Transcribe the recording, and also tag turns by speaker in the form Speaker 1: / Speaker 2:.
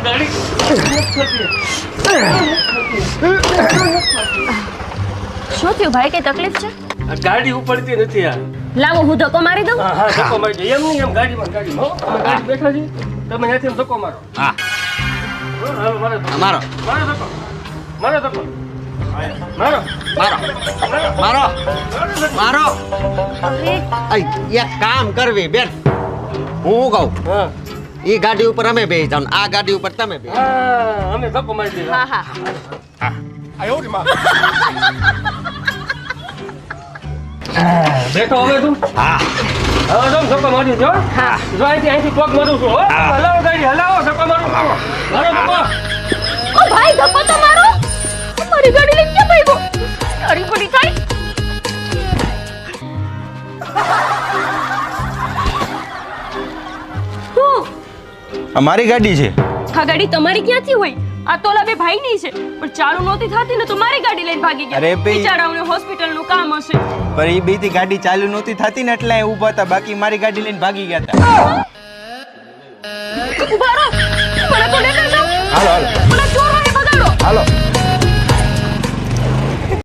Speaker 1: ગાડી
Speaker 2: શું થયું ભાઈ, કઈ તકલીફ છે?
Speaker 1: આ ગાડી ઉપડતી નથી યાર.
Speaker 2: લાવો હું ધક્કો મારી દઉં.
Speaker 1: હા ધક્કો મારી દો. એમ નહીં, એમ ગાડીમાં હો અમે ગાડી બેઠા છીએ, તમે ત્યાંથી એમ ધક્કો મારો.
Speaker 3: હા
Speaker 1: હાલો, મારો ધક્કો.
Speaker 3: મારો
Speaker 1: મારો ધક્કો. મારો ધક્કો. મારો
Speaker 3: મારો મારો મારો
Speaker 2: અરે
Speaker 3: એક કામ કરવી બેન, હું કહું
Speaker 1: હા
Speaker 3: ઈ ગાડી ઉપર અમે બેસી જાવ, આ ગાડી ઉપર તમે બેસી.
Speaker 1: હા અમે ધક્કો મારી દીધા.
Speaker 2: હા હા
Speaker 1: બેઠો હવે તું.
Speaker 3: હા
Speaker 1: હવે તો ધક્કો મારી દો.
Speaker 2: હા.
Speaker 1: જો અહીંથી પગ મારું છું. હો હલાવો ગાડી, હલાવો, ધક્કો મારો. મારો ધક્કો.
Speaker 2: ઓ ભાઈ ધક્કો તો મારો. મારી ગાડી લઈને ક્યાં ભાઈ ગો? તારી પડી થાય. હું
Speaker 4: અમારી ગાડી છે.
Speaker 2: આ ગાડી તમારી ક્યાંથી હોય? આ તો ઓલા બે ભાઈની છે, પણ ચાલુ નહોતી થતી ને તો મારી ગાડી લઈને ભાગી ગયા.
Speaker 4: અરે ભઈ.
Speaker 2: બિચારાઓને હોસ્પિટલનું કામ હશે.
Speaker 4: પણ એ બેથી ગાડી ચાલુ નહોતી થતી ને એટલે ઊભા હતા, બાકી મારી ગાડી લઈને ભાગી ગયા હતા.
Speaker 2: ઉભા રહો.